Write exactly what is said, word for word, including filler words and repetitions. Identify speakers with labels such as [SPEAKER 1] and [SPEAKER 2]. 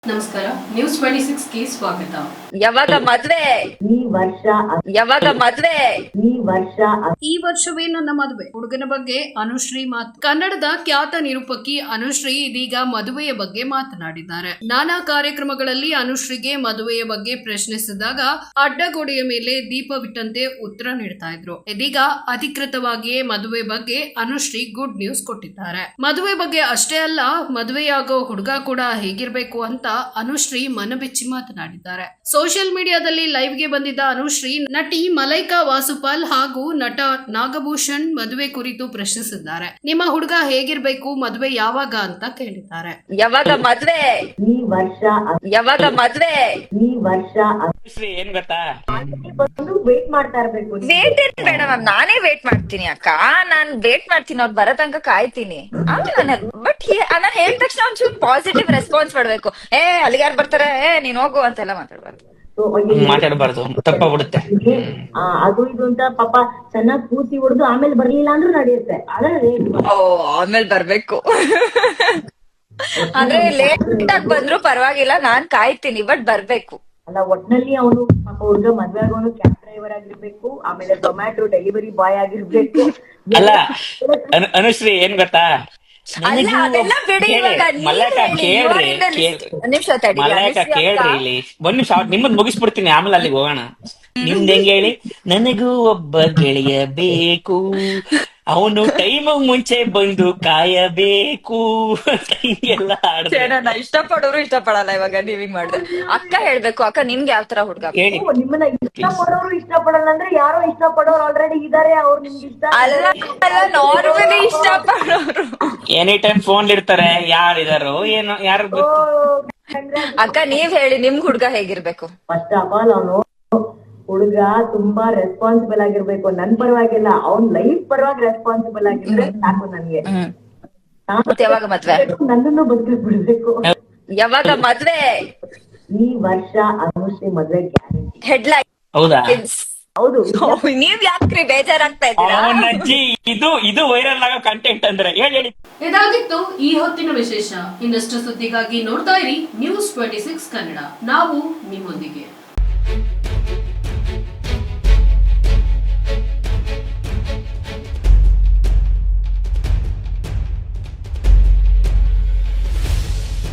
[SPEAKER 1] ನಮಸ್ಕಾರ, news twenty six ಗೆ ಸ್ವಾಗತ.
[SPEAKER 2] ಯಾವಾಗ ಮದ್ವೆ
[SPEAKER 3] ಈ ವರ್ಷ
[SPEAKER 2] ಯಾವಾಗ ಮದ್ವೆ
[SPEAKER 3] ಈ ವರ್ಷ
[SPEAKER 1] ಈ ವರ್ಷವೇ ನನ್ನ ಮದುವೆ. ಹುಡುಗನ ಬಗ್ಗೆ ಅನುಶ್ರೀ ಮಾತು. ಕನ್ನಡದ ಖ್ಯಾತ ನಿರೂಪಕಿ ಅನುಶ್ರೀ ಇದೀಗ ಮದುವೆಯ ಬಗ್ಗೆ ಮಾತನಾಡಿದ್ದಾರೆ. ನಾನಾ ಕಾರ್ಯಕ್ರಮಗಳಲ್ಲಿ ಅನುಶ್ರೀಗೆ ಮದುವೆಯ ಬಗ್ಗೆ ಪ್ರಶ್ನಿಸಿದಾಗ ಅಡ್ಡಗೋಡೆಯ ಮೇಲೆ ದೀಪವಿಟ್ಟಂತೆ ಉತ್ತರ ನೀಡ್ತಾ ಇದ್ರು. ಇದೀಗ ಅಧಿಕೃತವಾಗಿಯೇ ಮದುವೆ ಬಗ್ಗೆ ಅನುಶ್ರೀ ಗುಡ್ ನ್ಯೂಸ್ ಕೊಟ್ಟಿದ್ದಾರೆ. ಮದುವೆ ಬಗ್ಗೆ ಅಷ್ಟೇ ಅಲ್ಲ, ಮದುವೆಯಾಗೋ ಹುಡುಗ ಕೂಡ ಹೇಗಿರ್ಬೇಕು ಅಂತ ಅನುಶ್ರೀ ಮನಬಿಚ್ಚಿ ಮಾತನಾಡಿದ್ದಾರೆ. ಸೋಷಿಯಲ್ ಮೀಡಿಯಾದಲ್ಲಿ ಲೈವ್ ಗೆ ಬಂದಿದ್ದ ಅನುಶ್ರೀ ನಟಿ ಮಲೈಕಾ ವಾಸುಪಾಲ್ ಹಾಗೂ ನಟ ನಾಗಭೂಷಣ್ ಮದುವೆ ಕುರಿತು ಪ್ರಶ್ನಿಸಿದ್ದಾರೆ. ನಿಮ್ಮ ಹುಡುಗ ಹೇಗಿರ್ಬೇಕು, ಮದುವೆ ಯಾವಾಗ ಅಂತ ಕೇಳಿದ್ದಾರೆ.
[SPEAKER 2] ಯಾವಾಗ ಮದ್ವೆ
[SPEAKER 3] ಈ ವರ್ಷ
[SPEAKER 2] ಯಾವಾಗ ಮದ್ವೆ
[SPEAKER 3] ಈ ವರ್ಷ
[SPEAKER 4] ಏನ್ ಗೊತ್ತಾ,
[SPEAKER 3] ಬಂದು ವೇಟ್ ಮಾಡ್ತಾ ಇರ್ಬೇಕು.
[SPEAKER 2] ವೇಟ್ ಏನ್ ಬೇಡ ಮ್ಯಾಮ್, ನಾನೇ ವೇಟ್ ಮಾಡ್ತೀನಿ ಅಕ್ಕ. ನಾನ್ ವೇಟ್ ಮಾಡ್ತೀನಿ, ಅವ್ರು ಬರೋ ತನಕ ಕಾಯ್ತೀನಿ. ಆಮೇಲೆ ಬಟ್ ನಾನ್ ಹೇಳಿದ ತಕ್ಷಣ ಒಂಚೂರು ಪಾಸಿಟಿವ್ ರೆಸ್ಪಾನ್ಸ್ ಮಾಡ್ಬೇಕು. ಏ ಅಲ್ಲಿಗೆ ಯಾರು ಬರ್ತಾರೆ, ಏ ನೀನ್ ಹೋಗು ಅಂತೆಲ್ಲ ಮಾತಾಡ್ಬಾರ್ದು.
[SPEAKER 4] ಮಾತಾಡಬಾರ್ದು, ತಪ್ಪಾಗ್ಬಿಡುತ್ತೆ.
[SPEAKER 3] ಆ, ಅದು ಇದು ಅಂತ ಪಾಪ ಚೆನ್ನಾಗ್ ಕೂಸಿ ಹೊಡೆದು ಆಮೇಲೆ ಬರ್ಲಿಲ್ಲ ಅಂದ್ರೂ ನಡೆಯುತ್ತೆ. ಆದ್ರೆ
[SPEAKER 2] ಓ ಆಮೇಲೆ ಬರ್ಬೇಕು ಅಂದ್ರೆ ಲೇಟ್ ಆಗಿ ಬಂದ್ರು ಪರವಾಗಿಲ್ಲ, ನಾನ್ ಕಾಯ್ತೀನಿ, ಬಟ್ ಬರ್ಬೇಕು.
[SPEAKER 3] ಅಲ್ಲ, ಒಟ್ನಲ್ಲಿ ಅವನು ಪಾಪ ಹುಡುಗ ಮದ್ವೆ ಆಗೋನು ಕ್ಯಾಬ್ ಡ್ರೈವರ್ ಆಗಿರ್ಬೇಕು, ಆಮೇಲೆ ಟೊಮ್ಯಾಟೊ ಡೆಲಿವರಿ ಬಾಯ್ ಆಗಿರ್ಬೇಕು.
[SPEAKER 4] ಅಲ್ಲ ಅನು- ಅನುಶ್ರೀ ಏನ್ ಗೊತ್ತಾ,
[SPEAKER 2] ಅಲ್ಲ ಅದೆಲ್ಲ ಬಿಡಿ, ಇವಾಗ ನೀವ್
[SPEAKER 4] ಮಲ್ಲೇಕ
[SPEAKER 2] ಹೇಳಿ,
[SPEAKER 4] ಕೇಳ್ರಿ
[SPEAKER 2] ಇವರಿಂದ
[SPEAKER 4] ಕೇಳ್-
[SPEAKER 2] ಒಂದ್ ನಿಮಿಷ ತಡಿ.
[SPEAKER 4] ಮಲ್ಲೇಕ
[SPEAKER 2] ಅನುಶ್ರೀ
[SPEAKER 4] ಕೇಳ್ರಿ
[SPEAKER 2] ಅಕ್ಕ,
[SPEAKER 4] ಇಲ್ಲಿ ಒಂದ್ ನಿಮಿಷ ನಿಮ್ಮದ್ ಮುಗಿಸ್ಬಿಡ್ತೀನಿ, ಆಮೇಲೆ ಅಲ್ಲಿಗೆ ಹೋಗೋಣ. ನಿಮ್ದ್ ಹೆಂಗ್ ಹೇಳಿ, ನನಗೂ ಒಬ್ಬ ಗೆಳೆಯ ಬೇಕು, ಅವನು ಟೈಮ್ ಮುಂಚೆ ಬಂದು ಕಾಯಬೇಕು ಅಂತ ಹಿಂಗೆಲ್ಲ ಆಡ್ದೆ.
[SPEAKER 2] ಛೇ, ನನ್ನ ಇಷ್ಟಪಡೋರು ಇಷ್ಟಪಡಲ್ಲ ಇವಾಗ ನೀವ್ ಹಿಂಗ್ ಮಾಡಿದ್ರೆ. ಅಕ್ಕ ಹೇಳ್ಬೇಕು, ಅಕ್ಕ ನಿಮ್ಗೆ ಯಾವ ತರ ಹುಡ್ಗ ಬೇಕು?
[SPEAKER 4] ಹೇಳಿ.
[SPEAKER 3] ಓ, ನಿಮ್ಮನ್ನ ಇಷ್ಟ ಪಡೋರು ಇಷ್ಟ ಪಡಲ್ಲ ಅಂದ್ರೆ ಯಾರೋ ಇಷ್ಟ ಪಡೋರು ಆಲ್ರೆಡಿ ಇದಾರೆ, ಅವ್ರು ನಿಮ್ಗೆ ಇಷ್ಟ
[SPEAKER 2] ಅಲ್ಲ ಅಲ್ಲ, ನಾರ್ಮಲಿ ಇಷ್ಟಪಡೋರು.
[SPEAKER 4] ಎನಿ ಟೈಮ್ ಫೋನ್ ಇರ್ತಾರೆ, ಯಾರಿದಾರೋ ಏನೋ ಯಾರು ಗೊತ್ತು.
[SPEAKER 2] ಅಕ್ಕ ನೀವ್ ಹೇಳಿ, ನಿಮ್ ಹುಡ್ಗ ಹೇಗಿರ್ಬೇಕು?
[SPEAKER 3] ಫಸ್ಟ್ ಆಫ್ ಆಲ್ ಅವನು ಹುಡುಗ ತುಂಬಾ ರೆಸ್ಪಾನ್ಸಿಬಲ್ ಆಗಿರ್ಬೇಕು. ನನ್ ಪರವಾಗಿಲ್ಲ, ಅವ್ನ್ ಲೈಫ್ ಪರವಾಗಿ ರೆಸ್ಪಾನ್ಸಿಬಲ್ ಆಗಿದ್ರೆ ಸಾಕು ನನ್ಗೆ.
[SPEAKER 2] ಮತ್ತೆ ಯಾವಾಗ ಮದ್ವೆ?
[SPEAKER 3] ನನ್ನನ್ನು ಬದುಕಿಸ್ ಬಿಡ್ಬೇಕು.
[SPEAKER 2] ಯಾವಾಗ ಮದ್ವೆ?
[SPEAKER 3] ಈ ವರ್ಷ ಅನುಶ್ರೀ ಮದ್ವೆ ಗ್ಯಾರಂಟಿ.
[SPEAKER 2] ಹೆಡ್ಲೈನ್.
[SPEAKER 4] ಹೌದಾ?
[SPEAKER 3] ಹೌದು.
[SPEAKER 2] ನೀವ್ ಯಾಕ್ರಿ ಬೇಜಾರಾಗ್ತಾ ಇದ್ದೀರಾ?
[SPEAKER 4] ಅವನಜ್ಜಿ ಇದು ಇದು ವೈರಲ್ ಆಗೋ ಕಂಟೆಂಟ್ ಅಂದ್ರೆ ಹೇಳಿ ಹೇಳಿ.
[SPEAKER 1] ಇದಾಗಿತ್ತು ಈ ಹೊತ್ತಿನ ವಿಶೇಷ. ಇನ್ನಷ್ಟು ಸುದ್ದಿಗಾಗಿ ನೋಡ್ತಾ ಇರಿ ನ್ಯೂಸ್ ಟ್ವೆಂಟಿ ಸಿಕ್ಸ್ ಕನ್ನಡ. ನಾವು ನಿಮ್ಮೊಂದಿಗೆ.